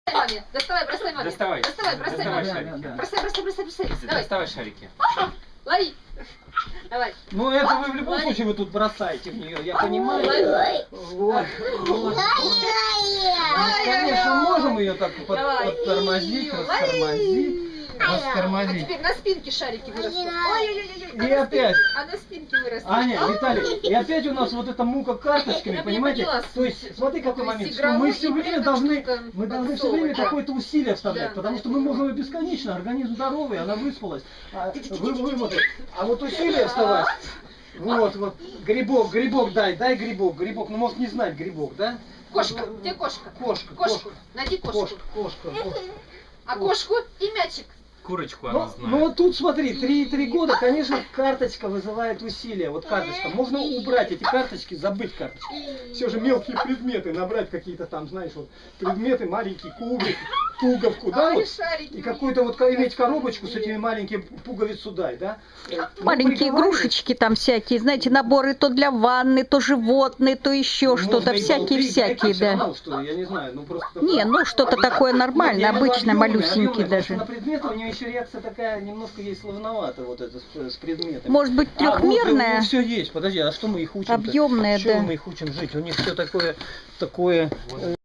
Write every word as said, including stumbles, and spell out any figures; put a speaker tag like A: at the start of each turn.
A: Маме, доставай, бросай маме.
B: Доставай.
A: Доставай, бросай
B: Доставай
A: маме.
B: шарики.
C: Да, да.
A: Бросай, бросай, бросай, бросай. Давай.
B: Доставай шарики.
A: Лови. Давай.
C: Ну это вы в любом
A: Лови.
C: случае вы тут бросаете в нее, я понимаю.
A: Лови.
C: Вот. Вот. Мы, конечно, можем ее так под,
A: Давай.
C: оттормозить,
A: Лови.
C: растормозить,
A: А
C: растормозить.
A: теперь на спинке шарики вырастут. Ой-ой-ой.
C: И опять.
A: А на спинке вырастут.
C: Аня, Виталий, и опять у нас вот эта мука карточками,
A: Я
C: понимаете?
A: поняла.
C: То есть, смотри, какой
A: То есть
C: момент, что
A: игровой
C: мы все
A: и
C: время
A: при этом
C: должны,
A: что-то
C: мы должны все время
A: подсовывать, да?
C: какое-то усилие вставлять,
A: Да,
C: потому
A: да,
C: что
A: я
C: мы
A: поняла.
C: можем и бесконечно, организм здоровый, она выспалась, а вы вымотали. А вот усилие вставать, вот, вот, грибок, грибок дай, дай грибок, грибок, ну может не знать грибок, да?
A: Кошка, где кошка?
C: Кошка,
A: Кошку.
C: кошка,
A: Найди кошку.
C: кошка, кошка. кошка.
A: А кошку и мячик.
B: Курочку
C: Ну,
B: она знает.
C: ну вот тут смотри, три года, конечно, карточка вызывает усилия. Вот карточка. Можно убрать эти карточки, забыть карточки. Все же мелкие предметы, набрать какие-то там, знаешь, вот предметы, маленький кубик, пуговку, да?
A: Ай,
C: Вот,
A: шарики.
C: и какую-то вот ко- иметь коробочку с этими маленькими пуговицу дай, да? Э, ну,
D: Маленькие
C: приговаривать.
D: игрушечки там всякие, знаете, наборы то для ванны, то животные, то еще
C: Можно
D: что-то,
C: и
D: всякие-всякие,
C: болты,
D: да.
C: ну, что, я не знаю, ну просто...
D: Не, ну что-то такое нормальное,
C: Нет, я имею в виду
D: обычное,
C: объемное,
D: малюсенькие
C: объемное, потому что
D: даже.
C: на предметы у нее еще реакция такая, немножко ей сложновато, вот это с, с предметами.
D: Может быть,
C: А, вот,
D: трехмерная,
C: все есть, подожди, а что мы их учим?
D: объемная,
C: Что
D: да.
C: мы их учим жить? У них все такое, такое... э,